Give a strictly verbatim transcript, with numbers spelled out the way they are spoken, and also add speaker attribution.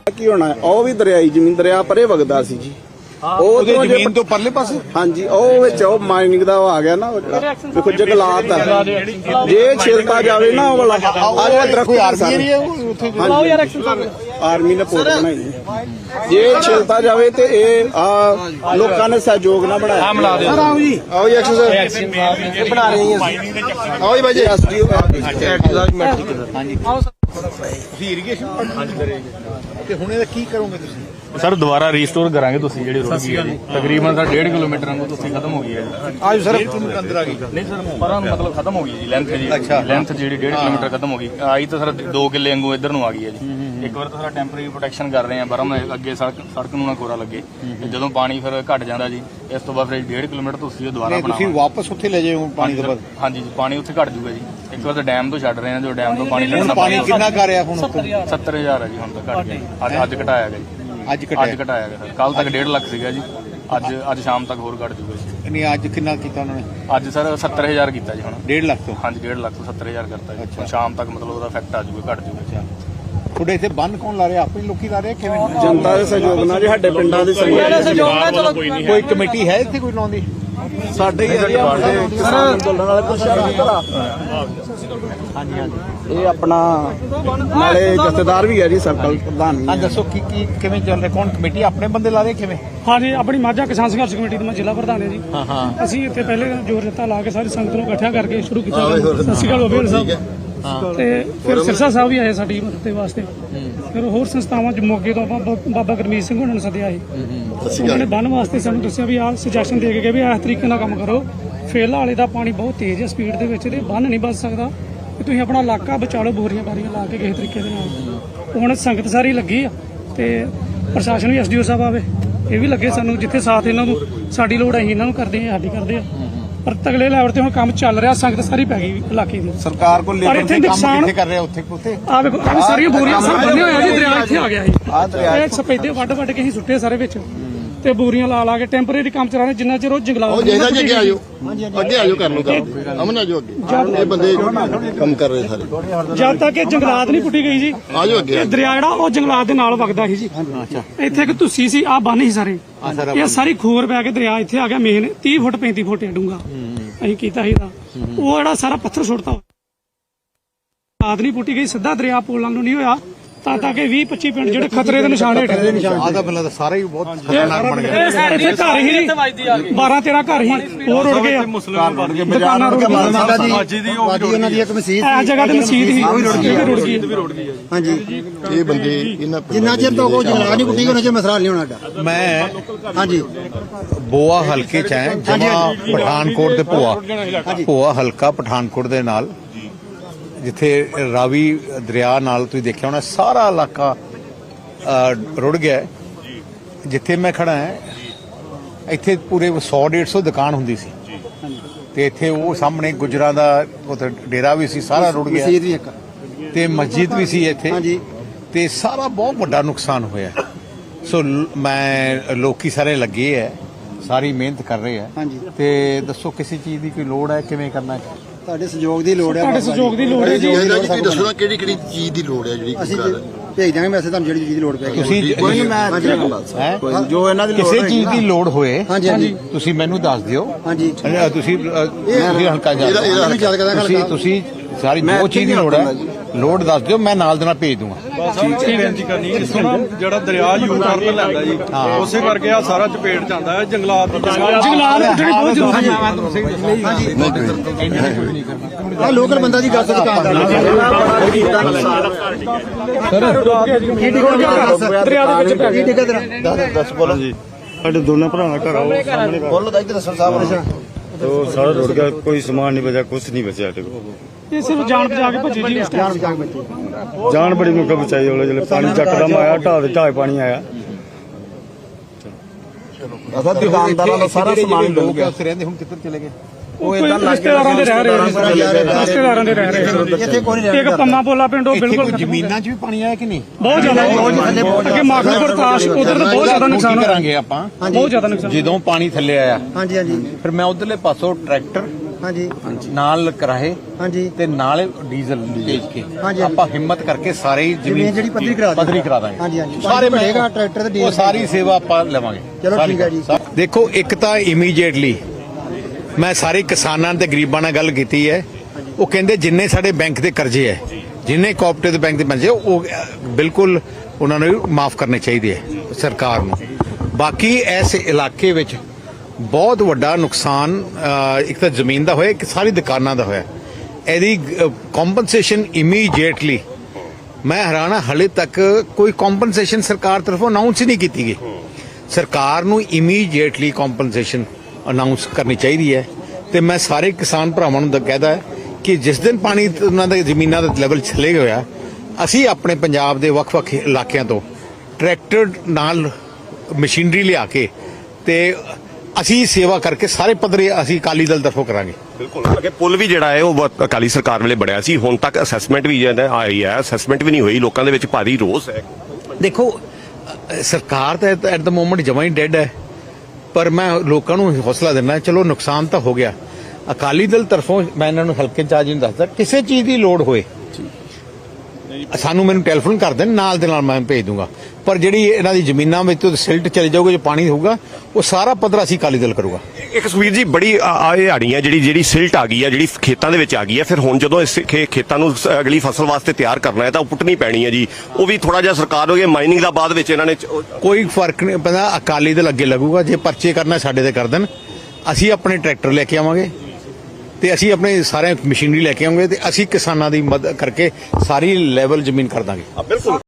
Speaker 1: ਕੀ ਹੋਣਾ ਉਹ ਵੀ ਦਰਿਆਈ ਜ਼ਮੀਨ ਦਰਿਆ ਪਰੇ ਵਗਦਾ ਸੀ ਜੀ ਉਹ ਜ਼ਮੀਨ ਤੋਂ ਪਰਲੇ ਪਾਸੇ ਹਾਂਜੀ ਉਹ ਵਿੱਚ ਉਹ ਮਾਈਨਿੰਗ ਦਾ ਆ ਗਿਆ ਨਾ ਉਹ ਜਿਹੜਾ ਦੇਖੋ ਜੰਗਲਾਤ ਆ ਜੇ ਛਿਲਤਾ ਜਾਵੇ ਨਾ ਉਹ ਵਾਲਾ ਆ ਜਿਹੜਾ ਦਰਖਤ ਆਰਮੀ ਨੇ ਪੋਰਟ ਬਣਾਈ ਜੇ ਛਿਲਤਾ ਜਾਵੇ ਤੇ ਇਹ ਆ ਲੋਕਾਂ ਨੇ ਸਹਿਯੋਗ ਨਾਲ ਬਣਾਇਆ ਬਣਾ ਦਿਓ ਸਰ ਆਓ ਜੀ ਆਓ ਜੀ ਐਕਸ਼ਨ ਇਹ ਬਣਾ ਰਹੇ ਹਾਂ ਆਓ ਜੀ ਬਾਈ ਜੀ ਐਸਡੀਓ ਹਾਂਜੀ ਆਓ ਤੁਸੀਂ ਇਰੀਗੇਸ਼ਨ ਹਾਂਜੀ ਕਰੇਗੇ ਤੇ ਹੁਣ ਇਹਦਾ ਕੀ ਕਰੋਗੇ ਤੁਸੀਂ
Speaker 2: सर दोबारा रीस्टोर करांगे तुसी जेडी रोड की है तकरीबन सर डेढ़ किलोमीटर वांगू तुसी खत्म हो गई है
Speaker 1: आज सर अंदर आ गई
Speaker 2: नहीं सर पर मतलब खत्म हो गई जी लेंथ जी लेंथ जेडी डेढ़ किलोमीटर खत्म हो गई आई तो सर दो किले वांगू इधर नु आ गई है जी एक बार तो सर टैंपरेरी प्रोटेक्शन कर रहे हैं बरम अगे सड़क सड़क नू ना कोरा लगे ਜਦੋਂ ਪਾਣੀ ਫਿਰ ਘਟ ਜਾਂਦਾ ਜੀ ਇਸ ਤੋਂ ਬਾਅਦ ਫਿਰ डेढ़ किलोमीटर ਤੁਸੀਂ ਦੁਬਾਰਾ ਬਣਾ ਤੁਸੀਂ
Speaker 1: ਵਾਪਸ ਉੱਥੇ ਲੈ ਜਾਓ ਪਾਣੀ ਤੋਂ ਬਾਅਦ
Speaker 2: ਹਾਂਜੀ ਜੀ ਪਾਣੀ ਉੱਥੇ ਘਟ ਜੂਗਾ ਜੀ ਇੱਕ ਵਾਰ ਤਾਂ ਡੈਮ ਤੋਂ ਛੱਡ ਰਹੇ ਹਾਂ ਜੋ ਡੈਮ ਤੋਂ ਪਾਣੀ ਲੈਣਾ
Speaker 1: ਪਾਣੀ ਕਿੰਨਾ ਕਰ ਰਿਹਾ ਹੁਣ
Speaker 2: ਸੱਤਰ ਹਜ਼ਾਰ ਹੈ ਜੀ ਹੁਣ ਤਾਂ ਘਟ ਗਿਆ ਅੱਜ ਅੱਜ ਘਟਾਇਆ ਗਿਆ ਜੀ
Speaker 1: ਅੱਜ ਘਟਾਇਆ
Speaker 2: ਅੱਜ ਘਟਾਇਆ ਗਿਆ ਸਰ ਕੱਲ ਤੱਕ ਡੇਢ ਲੱਖ ਸੀਗਾ ਜੀ ਅੱਜ ਅੱਜ ਸ਼ਾਮ ਤੱਕ ਹੋਰ ਘਟ ਜੂਗਾ ਜੀ
Speaker 1: ਨਹੀਂ ਅੱਜ ਕਿੰਨਾ ਕੀਤਾ ਉਹਨਾਂ ਨੇ
Speaker 2: ਅੱਜ ਸਰ ਸੱਤਰ ਹਜ਼ਾਰ ਕੀਤਾ ਜੀ ਹੁਣ
Speaker 1: ਡੇਢ ਲੱਖ ਤੋਂ
Speaker 2: ਹਾਂਜੀ ਡੇਢ ਲੱਖ ਤੋਂ ਸੱਤਰ ਹਜ਼ਾਰ ਕਰਤਾ ਜੀ ਸ਼ਾਮ ਤੱਕ ਮਤਲਬ ਉਹਦਾ ਇਫੈਕਟ ਆ ਜੂਗਾ ਘਟ ਜੂਗਾ
Speaker 1: ਤੁਹਾਡੇ ਇੱਥੇ ਬੰਨ ਕੌਣ ਲਾ ਰਿਹਾ ਆਪੇ ਲੋਕੀ ਲਾ ਰਹੇ ਕਿਵੇਂ ਜਨਤਾ ਦੇ ਸਹਿਯੋਗ ਨਾਲ ਸਾਡੇ ਪਿੰਡਾਂ ਦੇ
Speaker 3: ਸਹਿਯੋਗ ਨਾਲ
Speaker 1: ਕੋਈ ਕਮੇਟੀ ਹੈ ਇੱਥੇ ਕੋਈ ਲਾਉਂਦੀ ਸਾਡੇ ਕਿਸਾਨ ਅੰਦੋਲਨ ਵਾਲੇ ਪੁੱਛਿਆ ਹਾਂਜੀ ਹਾਂਜੀ ਇਹ ਆਪਣਾ ਨਾਲੇ ਜਥੇਦਾਰ ਵੀ ਹੈ ਜੀ ਸਰਕਲ ਪ੍ਰਧਾਨ ਹਾਂ ਦੱਸੋ ਕੀ ਕੀ ਕਿਵੇਂ ਚੱਲ ਰਿਹਾ ਕੌਣ ਕਮੇਟੀ ਆਪਣੇ ਬੰਦੇ ਲਾ ਰਹੇ ਕਿਵੇਂ
Speaker 3: ਹਾਂ ਜੀ ਆਪਣੀ ਮਾਝਾ ਕਿਸਾਨ ਸੰਘਰਸ਼ ਕਮੇਟੀ ਦਾ ਮੈਂ ਜ਼ਿਲ੍ਹਾ ਪ੍ਰਧਾਨ ਹਾਂ ਜੀ
Speaker 1: ਹਾਂ ਹਾਂ
Speaker 3: ਅਸੀਂ ਇੱਥੇ ਪਹਿਲੇ ਜੋਰ ਜੱਤਾ ਲਾ ਕੇ ਸਾਰੀ ਸੰਗਤ ਨੂੰ ਇਕੱਠਿਆ ਕਰਕੇ ਸ਼ੁਰੂ ਕੀਤਾ ਸਤਿ ਸ਼੍ਰੀ ਅਕਾਲ ਬਾਬੇਲ ਸਾਹਿਬ ਤੇ ਫਿਰ ਸਿਰਸਾ ਸਾਹਿਬ ਵੀ ਆਏ ਸਾਡੀ ਮਦਦ ਦੇ ਵਾਸਤੇ ਫਿਰ ਹੋਰ ਸੰਸਥਾਵਾਂ ਚ ਮੋਗੇ ਤੋਂ ਆਪਾਂ ਬਾਬਾ ਗੁਰਮੀਤ ਸਿੰਘ ਹੋਣਾ ਨੂੰ ਸੱਦਿਆ ਸੀ ਉਹਨਾਂ ਨੇ ਬੰਨ ਵਾਸਤੇ ਸਾਨੂੰ ਦੱਸਿਆ ਵੀ ਆਹ ਸੁਜੈਸ਼ਨ ਦੇ ਕੇ ਗਏ ਵੀ ਇਸ ਤਰੀਕੇ ਨਾਲ ਕੰਮ ਕਰੋ ਫੇਲਾ ਵਾਲੇ ਦਾ ਪਾਣੀ ਬਹੁਤ ਤੇਜ਼ ਹੈ ਸਪੀਡ ਦੇ ਵਿੱਚ ਤੇ ਬੰਨ ਨਹੀਂ ਬਚ ਸਕਦਾ ਤੁਸੀਂ ਆਪਣਾ ਇਲਾਕਾ ਬਚਾ ਲਓ ਬੋਰੀਆਂ ਬਾਰੀਆਂ ਲਾ ਕੇ ਕਿਸੇ ਤਰੀਕੇ ਦੇ ਨਾਲ ਹੁਣ ਸੰਗਤ ਸਾਰੀ ਲੱਗੀ ਆ ਤੇ ਪ੍ਰਸ਼ਾਸਨ ਵੀ ਐਸਡੀਓ ਸਾਹਿਬ ਆਵੇ ਇਹ ਵੀ ਲੱਗੇ ਸਾਨੂੰ ਜਿੱਥੇ ਸਾਥ ਇਹਨਾਂ ਨੂੰ ਸਾਡੀ ਲੋੜ ਹੈ ਇਹਨਾਂ ਨੂੰ ਕਰਦੇ ਆ ਸਾਡੀ ਕਰਦੇ ਆ ਪਰ ਤਗਲੇ ਲੈਵਲ ਤੇ ਹੁਣ ਕੰਮ ਚੱਲ ਰਿਹਾ ਸੰਗਤ ਸਾਰੀ ਪੈ ਗਈ ਇਲਾਕੇ ਦੀ
Speaker 1: ਸਰਕਾਰ ਕੋਲ ਲੇਬਰ ਦੇ ਕੰਮ ਕਿੱਥੇ ਕਰ ਰਿਹਾ ਉੱਥੇ ਉੱਥੇ
Speaker 3: ਆ ਵੇਖੋ ਆ ਸਾਰੀਆਂ ਬੋਰੀਆਂ ਸਭ ਬੰਨੇ ਹੋਇਆ ਜੀ ਦਰਿਆ ਇੱਥੇ ਆ ਗਿਆ ਸੀ ਆ ਦਰਿਆ ਇਹ ਸਪੈਦੇ ਵੱਡ ਵੱਡ ਕੇ ਅਸੀਂ ਸੁੱਟੇ ਸਾਰੇ ਵਿੱਚ ਤੇ ਬੋਰੀਆਂ ਲਾ ਲਾ ਕੇ ਟੈਂਪਰੇਰੀ ਕੰਮ ਚਲਾ ਰਹੇ ਜਿੰਨਾ ਚਿਰ ਉਹ ਜੰਗਲਾਤ
Speaker 4: ਉਹ ਜਿਹਦਾ ਅੱਗੇ ਆਜੋ ਅੱਗੇ ਆਜੋ ਕਰ ਲਓ ਕੰਮ ਅਮਨ ਆਜੋ ਅੱਗੇ ਇਹ ਬੰਦੇ ਕੰਮ ਕਰ ਰਹੇ ਸਾਰੇ
Speaker 3: ਜਦ ਤੱਕ ਇਹ ਜੰਗਲਾਤ ਨਹੀਂ ਪੁੱਟੀ ਗਈ ਜੀ
Speaker 4: ਆਜੋ ਅੱਗੇ
Speaker 3: ਦਰਿਆ ਜਿਹੜਾ ਉਹ ਜੰਗਲਾਤ ਦੇ ਨਾਲ ਵਗਦਾ ਸੀ ਜੀ ਇੱਥੇ ਇੱਕ ਧੁੱਸੀ ਸੀ ਆ ਬੰਨ ਸੀ ਸਾਰੇ ਇਹ ਸਾਰੀ ਖੋਰ ਪੈ ਕੇ ਦਰਿਆ ਇੱਥੇ ਆ ਗਿਆ ਮੇਨ ਤੀਹ ਫੁੱਟ ਪੈਂਤੀ ਫੁੱਟ ਡੂੰਗਾ ਅਸੀਂ ਕੀਤਾ ਸੀ ਦਾ ਉਹ ਜਿਹੜਾ ਸਾਰਾ ਪੱਥਰ ਸੁੱਟਤਾ ਆਦ ਨਹੀਂ ਪੁੱਟੀ ਗਈ ਸਿੱਧਾ ਦਰਿਆ ਪੋਲਾਂ ਨੂੰ ਨਹੀਂ ਹੋਇਆ ਤਾਂ ਤਾਂ ਕਿ ਵੀਹ ਪੱਚੀ ਪਿੰਡ ਜਿਹੜੇ ਖਤਰੇ ਦੇ ਨਿਸ਼ਾਨ ਹੇਠ ਦੇ ਨਿਸ਼ਾਨ
Speaker 1: ਆਦਾ ਬੰਦਾ ਤਾਂ ਸਾਰਾ ਹੀ ਬਹੁਤ ਖਤਰਨਾਕ ਬਣ ਗਿਆ
Speaker 3: ਇੱਥੇ ਘਰ ਹੀ ਬਾਰਾਂ ਤੇਰਾਂ ਘਰ ਹੀ ਹੋਰ ਉੜ ਗਏ ਦੁਕਾਨਾਂ ਰੁੜ ਗਈਆਂ
Speaker 1: ਅੱਜ ਦੀ ਉਹਨਾਂ ਦੀ ਇੱਕ ਮਸਜਿਦ
Speaker 3: ਇਹ ਜਗ੍ਹਾ ਤੇ ਮਸਜਿਦ ਸੀ ਉਹ ਵੀ ਰੁੜ ਗਈ ਰੁੜ ਗਈ
Speaker 4: ਹਾਂਜੀ ਇਹ ਬੰਦੇ ਇਹਨਾਂ
Speaker 5: ਜਿੰਨਾ ਚਿਰ ਤੋਂ ਕੋਈ ਜੰਗਲਾਤ ਨਹੀਂ ਪੁੱਟੀ ਉਹਨਾਂ ਚ ਮਸਲਾ ਨਹੀਂ ਹੋਣਾ ਸਾਡਾ
Speaker 1: ਮੈਂ
Speaker 5: ਹਾਂਜੀ
Speaker 1: ਬੋਆ ਹਲਕੇ ਚ ਹੈ ਜਮਾ ਪਠਾਨਕੋਟ ਦੇ ਭੋਆ ਭੋਆ ਹਲਕਾ ਪਠਾਨਕੋਟ ਦੇ ਨਾਲ ਜਿੱਥੇ ਰਾਵੀ ਦਰਿਆ ਨਾਲ ਤੁਸੀਂ ਦੇਖਿਆ ਹੋਣਾ ਸਾਰਾ ਇਲਾਕਾ ਰੁੜ ਗਿਆ ਜਿੱਥੇ ਮੈਂ ਖੜਾ ਹਾਂ ਇੱਥੇ ਪੂਰੇ ਸੌ ਡੇਢ ਸੌ ਦੁਕਾਨ ਹੁੰਦੀ ਸੀ ਤੇ ਇੱਥੇ ਉਹ ਸਾਹਮਣੇ ਗੁਜਰਾਂ ਦਾ ਉੱਥੇ ਡੇਰਾ ਵੀ ਸੀ ਸਾਰਾ ਰੁੜ ਗਿਆ
Speaker 5: ਮਸਜਿਦ ਵੀ ਇੱਕ
Speaker 1: ਤੇ ਮਸਜਿਦ ਵੀ ਸੀ ਇੱਥੇ ਤੇ ਸਾਰਾ ਬਹੁਤ ਵੱਡਾ ਨੁਕਸਾਨ ਹੋਇਆ ਸੋ ਮੈਂ ਲੋਕੀ ਸਾਰੇ ਲੱਗੇ ਹੈ ਸਾਰੀ ਮਿਹਨਤ ਕਰ ਰਹੇ ਹੈ ਤੇ ਦੱਸੋ ਕਿਸੇ ਚੀਜ਼ ਦੀ ਕੋਈ ਲੋੜ ਹੈ ਕਿਵੇਂ ਕਰਨਾ ਹੈ
Speaker 5: ਤੁਹਾਡੇ ਸਹਿਯੋਗ ਦੀ ਲੋੜ ਹੈ
Speaker 3: ਤੁਹਾਡੇ ਸਹਿਯੋਗ ਦੀ ਲੋੜ ਹੈ ਜੀ
Speaker 4: ਤੁਸੀਂ ਦੱਸੋ ਨਾ ਕਿਹੜੀ ਕਿਹੜੀ ਚੀਜ਼ ਦੀ ਲੋੜ ਹੈ ਜਿਹੜੀ
Speaker 5: ਅਸੀਂ ਭੇਜ ਦਾਂਗੇ ਮੈਸੇਜ ਤੁਹਾਨੂੰ ਜਿਹੜੀ ਚੀਜ਼ ਦੀ ਲੋੜ ਪੈਗੀ
Speaker 1: ਤੁਸੀਂ ਕੋਈ
Speaker 5: ਮੈਂ
Speaker 1: ਜੋ ਇਹਨਾਂ ਦੀ ਕਿਸੇ ਚੀਜ਼ ਦੀ ਲੋੜ ਹੋਏ
Speaker 5: ਹਾਂਜੀ
Speaker 1: ਤੁਸੀਂ ਮੈਨੂੰ ਦੱਸ ਦਿਓ
Speaker 5: ਹਾਂਜੀ
Speaker 1: ਤੁਸੀਂ ਤੁਸੀਂ ਹਲਕਾ ਜਾ ਤੁਸੀਂ ਤੁਸੀਂ ਸਾਰੀ ਜੋ ਚੀਜ਼ ਦੀ ਲੋੜ ਹੈ ਲੋੜ ਦੱਸ ਦਿਓ ਮੈਂ ਨਾਲ ਦੇ ਨਾਲ ਭੇਜ ਦੂੰਗਾ
Speaker 6: ਬੇਨਤੀ ਕਰਨੀ ਇੱਥੋਂ ਨਾ ਜਿਹੜਾ ਦਰਿਆ ਯੂ ਟਰਨ ਲੈਂਦਾ ਜੀ ਉਸੇ ਕਰਕੇ ਆ ਸਾਰਾ ਚਪੇਟ ਚ ਆਉਂਦਾ ਹੈ ਜੰਗਲਾਤ ਦੀ
Speaker 3: ਜੰਗਲਾਤ ਪੁੱਟਣੀ ਬਹੁਤ ਜ਼ਰੂਰੀ ਹੈ
Speaker 5: ਆ ਲੋਕਲ ਬੰਦਾ ਦੀ ਗੱਲ ਤੋਂ ਦੁਕਾਨਦਾਰ
Speaker 3: ਦਰਿਆ ਦੇ ਵਿੱਚ ਪੈ
Speaker 5: ਠੀਕ ਹੈ ਤੇਰਾ
Speaker 4: ਦੱਸ ਬੋਲੋ ਜੀ
Speaker 6: ਸਾਡੇ ਦੋਨਾਂ ਭਰਾਵਾਂ ਘਰ ਆਓ ਸਾਹਮਣੇ
Speaker 4: ਬੋਲੋ ਤਾਂ ਇੱਧਰ ਦੱਸੋ ਸਾਹਿਬ
Speaker 6: ਤੋ ਸਾਰਾ ਰੁੜ ਗਿਆ ਕੋਈ ਸਮਾਨ ਨਹੀਂ ਬਚਿਆ ਕੁਝ ਨਹੀਂ ਬਚਿਆ ਸਾਡੇ ਕੋਲ
Speaker 3: ਇਹ ਸਿਰਫ ਜਾਨ ਬਚਾ ਕੇ ਭੱਜੀ ਜੀ ਉਸ
Speaker 5: ਜਾਨ
Speaker 3: ਟਾਈਮ
Speaker 5: ਬਚਾ ਕੇ ਬੱਚੇ
Speaker 6: ਜਾਨ ਬੜੀ ਮੁੱਕਾ ਬਚਾਈ ਉਹਲੇ ਜਿਹੜੇ ਪਾਣੀ ਚੱਕਦਮ ਆਇਆ ਢਾਹ ਦੇ ਢਾਹ ਪਾਣੀ ਆਇਆ
Speaker 1: ਅਸਾਂ ਦੁਕਾਨਦਾਰਾਂ ਦਾ ਸਾਰਾ ਸਮਾਨ ਡੁੱਬ ਗਿਆ
Speaker 5: ਉੱਥੇ ਰਹਿੰਦੇ ਹੁਣ ਕਿੱਧਰ ਚਲੇ ਗਏ
Speaker 3: ਉਹ ਇਦਾਂ ਰਿਸ਼ਤੇਦਾਰਾਂ ਦੇ ਰਹਿ ਰਹੇ ਰਿਸ਼ਤੇਦਾਰਾਂ ਦੇ ਰਹਿ ਰਹੇ
Speaker 5: ਇੱਥੇ ਕੋਈ ਨਹੀਂ
Speaker 3: ਇੱਕ ਪੰਮਾ ਪੋਲਾ ਪਿੰਡ ਉਹ ਬਿਲਕੁਲ
Speaker 1: ਜ਼ਮੀਨਾਂ 'ਚ ਵੀ ਪਾਣੀ ਆਇਆ ਕਿ ਨਹੀਂ
Speaker 3: ਬਹੁਤ ਜ਼ਿਆਦਾ ਅੱਗੇ ਮਾਖੂਪੁਰ ਤਾਸ਼ ਉਧਰ ਤਾਂ ਬਹੁਤ ਜ਼ਿਆਦਾ ਨੁਕਸਾਨ
Speaker 1: ਕਰਾਂਗੇ ਆਪਾਂ
Speaker 3: ਬਹੁਤ ਜ਼ਿਆਦਾ ਨੁਕਸਾਨ
Speaker 1: ਜਦੋਂ ਪਾਣੀ ਥੱਲੇ ਆਇਆ
Speaker 5: ਹਾਂਜੀ ਹਾਂਜੀ
Speaker 1: ਫਿਰ ਮੈਂ ਉਧਰਲੇ ਪਾਸੋਂ ਟਰੈਕਟਰ
Speaker 5: ਹਾਂਜੀ
Speaker 1: ਨਾਲ ਕਰਾਏ
Speaker 5: ਹਾਂਜੀ
Speaker 1: ਤੇ ਨਾਲ ਡੀਜ਼ਲ ਭੇਜ ਕੇ
Speaker 5: ਹਾਂਜੀ।
Speaker 1: ਆਪਾਂ ਹਿੰਮਤ ਕਰਕੇ ਸਾਰੇ ਹੀ
Speaker 5: ਜ਼ਮੀਨ ਜਿਹੜੀ ਪੱਧਰੀ ਕਰਾ ਦਾਂਗੇ।
Speaker 1: ਪੱਧਰੀ ਕਰਾ ਦਾਂਗੇ
Speaker 5: ਹਾਂਜੀ, ਹਾਂਜੀ।
Speaker 1: ਸਾਰੇ
Speaker 5: ਪਾਣੀ ਭਰੇਗਾ, ਟਰੈਕਟਰ ਤੇ ਡੀਜ਼ਲ
Speaker 1: ਉਹ ਸਾਰੀ ਸੇਵਾ ਆਪਾਂ ਲਵਾਂਗੇ।
Speaker 5: ਚਲੋ
Speaker 1: ਸਾਰੀ
Speaker 5: ਠੀਕ ਹੈ ਜੀ।
Speaker 1: ਦੇਖੋ ਇੱਕ ਤਾਂ ਇਮੀਡੀਏਟਲੀ ਮੈਂ ਸਾਰੇ ਕਿਸਾਨਾਂ ਤੇ ਗਰੀਬਾਂ ਨਾਲ ਗੱਲ ਕੀਤੀ ਹੈ। ਉਹ ਕਹਿੰਦੇ ਜਿੰਨੇ ਸਾਡੇ ਬੈਂਕ ਦੇ ਕਰਜ਼ੇ ਹੈ, ਜਿੰਨੇ ਕੋਆਪਰੇਟਿਵ ਬੈਂਕ ਦੇ ਪੈਸੇ ਉਹ ਅ, ਬਿਲਕੁਲ ਉਹਨਾਂ ਨੂੰ ਮਾਫ ਕਰਨੇ ਚਾਹੀਦੇ ਹੈ ਸਰਕਾਰ ਨੂੰ। ਬਾਕੀ ਇਸ ਇਲਾਕੇ ਵਿੱਚ ਬਹੁਤ ਵੱਡਾ ਨੁਕਸਾਨ ਅ, ਇੱਕ ਤਾਂ ਜ਼ਮੀਨ ਦਾ ਹੋਇਆ, ਇੱਕ ਸਾਰੀ ਦੁਕਾਨਾਂ ਦਾ ਹੋਇਆ। ਇਹਦੀ ਕੰਪਨਸੇਸ਼ਨ ਇਮੀਡੀਏਟਲੀ, ਮੈਂ ਹੈਰਾਨ ਹਾਂ ਹਲੇ ਤੱਕ ਕੋਈ ਕੰਪਨਸੇਸ਼ਨ ਸਰਕਾਰ ਤਰਫੋਂ ਅਨਾਉਂਸ ਹੀ ਨਹੀਂ ਕੀਤੀ ਗਈ। ਸਰਕਾਰ ਨੂੰ ਇਮੀਡੀਏਟਲੀ ਕੰਪਨਸੇਸ਼ਨ ਅਨਾਉਂਸ ਕਰਨੀ ਚਾਹੀਦੀ ਹੈ। ਤੇ ਮੈਂ ਸਾਰੇ ਕਿਸਾਨ ਭਰਾਵਾਂ ਨੂੰ ਕਹਿਦਾ ਹੈ ਕਿ ਜਿਸ ਦਿਨ ਪਾਣੀ ਉਹਨਾਂ ਦੇ ਜ਼ਮੀਨਾਂ ਦਾ ਲੈਵਲ ਚਲੇ ਗਿਆ, ਅਸੀਂ ਆਪਣੇ ਪੰਜਾਬ ਦੇ ਵੱਖ-ਵੱਖ ਇਲਾਕਿਆਂ ਤੋਂ ਟਰੈਕਟਰ ਨਾਲ ਮਸ਼ੀਨਰੀ ਲਿਆ ਕੇ ਤੇ ਅਸੀਂ ਸੇਵਾ ਕਰਕੇ ਸਾਰੇ ਪੱਧਰੇ ਅਸੀਂ ਅਕਾਲੀ ਦਲ ਤਰਫੋਂ ਕਰਾਂਗੇ।
Speaker 7: ਬਿਲਕੁਲ ਅੱਗੇ ਪੁਲ ਵੀ ਜਿਹੜਾ ਹੈ ਉਹ ਬਹੁਤ ਅਕਾਲੀ ਸਰਕਾਰ ਵੇਲੇ ਬਣਿਆ ਸੀ, ਹੁਣ ਤੱਕ ਅਸੈਸਮੈਂਟ ਵੀ ਜਿਹੜਾ ਆਈ ਹੈ, ਅਸੈਸਮੈਂਟ ਵੀ ਨਹੀਂ ਹੋਈ। ਲੋਕਾਂ ਦੇ ਵਿੱਚ ਭਾਰੀ ਰੋਸ ਹੈ।
Speaker 1: ਦੇਖੋ ਅ, ਸਰਕਾਰ ਤਾਂ ਐਟ ਦ ਮੋਮੈਂਟ ਜਮਾਂ ਹੀ ਡੈਡ ਹੈ, ਪਰ ਮੈਂ ਲੋਕਾਂ ਨੂੰ ਹੌਸਲਾ ਦਿੰਦਾ, ਚਲੋ ਨੁਕਸਾਨ ਤਾਂ ਹੋ ਗਿਆ। ਅਕਾਲੀ ਦਲ ਤਰਫੋਂ ਮੈਂ ਇਹਨਾਂ ਨੂੰ ਹਲਕੇ ਚਾਰਜ ਨੂੰ ਦੱਸਦਾ, ਕਿਸੇ ਚੀਜ਼ ਦੀ ਲੋੜ ਹੋਏ ਸਾਨੂੰ ਮੈਨੂੰ ਟੈਲੀਫੋਨ ਕਰ ਦੇਣ, ਨਾਲ ਦੇ ਨਾਲ ਮੈਂ ਭੇਜ ਦੂੰਗਾ। ਪਰ ਜਿਹੜੀ ਇਹਨਾਂ ਦੀ ਜ਼ਮੀਨਾਂ ਵਿੱਚ ਤੋਂ ਸਿਲਟ ਚਲੇ ਜਾਊਗਾ, ਜੋ ਪਾਣੀ ਹੋਊਗਾ ਉਹ ਸਾਰਾ ਪੱਧਰ ਅਸੀਂ ਅਕਾਲੀ ਦਲ ਕਰੂਗਾ।
Speaker 7: ਇੱਕ ਸੁਖਬੀਰ ਜੀ ਬੜੀ ਹਾੜੀ ਹੈ ਜਿਹੜੀ ਜਿਹੜੀ ਸਿਲਟ ਆ ਗਈ ਹੈ, ਜਿਹੜੀ ਖੇਤਾਂ ਦੇ ਵਿੱਚ ਆ ਗਈ ਹੈ। ਫਿਰ ਹੁਣ ਜਦੋਂ ਇਸ ਖੇ- ਖੇਤਾਂ ਨੂੰ ਸ- ਅਗਲੀ ਫਸਲ ਵਾਸਤੇ ਤਿਆਰ ਕਰਨਾ ਹੈ ਤਾਂ ਉਹ ਪੁੱਟਣੀ ਪੈਣੀ ਹੈ ਜੀ। ਉਹ ਵੀ ਥੋੜਾ ਜਿਹਾ ਸਰਕਾਰ ਹੋ ਗਈ ਮਾਈਨਿੰਗ ਦਾ ਬਾਅਦ ਵਿੱਚ ਇਹਨਾਂ ਨੇ ਚ- ਉਹ-
Speaker 1: ਕੋਈ ਫਰਕ ਨਹੀਂ ਪੈਂਦਾ, ਅਕਾਲੀ ਦਲ ਅੱਗੇ ਲੱਗੂਗਾ। ਜੇ ਪਰਚੇ ਕਰਨਾ ਸਾਡੇ ਤੇ ਕਰ ਦੇਣ, ਅਸੀਂ ਆਪਣੇ ਟਰੈਕਟਰ ਲੈ ਕੇ ਆਵਾਂਗੇ ਤੇ ਅਸੀਂ ਆਪਣੇ ਸਾਰੇ ਮਸ਼ੀਨਰੀ ਲੈ ਕੇ ਆਵਾਂਗੇ ਤੇ ਅਸੀਂ ਕਿਸਾਨਾਂ ਦੀ ਮਦਦ ਕਰਕੇ ਸਾਰੀ ਲੈਵਲ ਜ਼ਮੀਨ ਕਰ ਦਾਂਗੇ।
Speaker 7: ਬਿਲਕੁਲ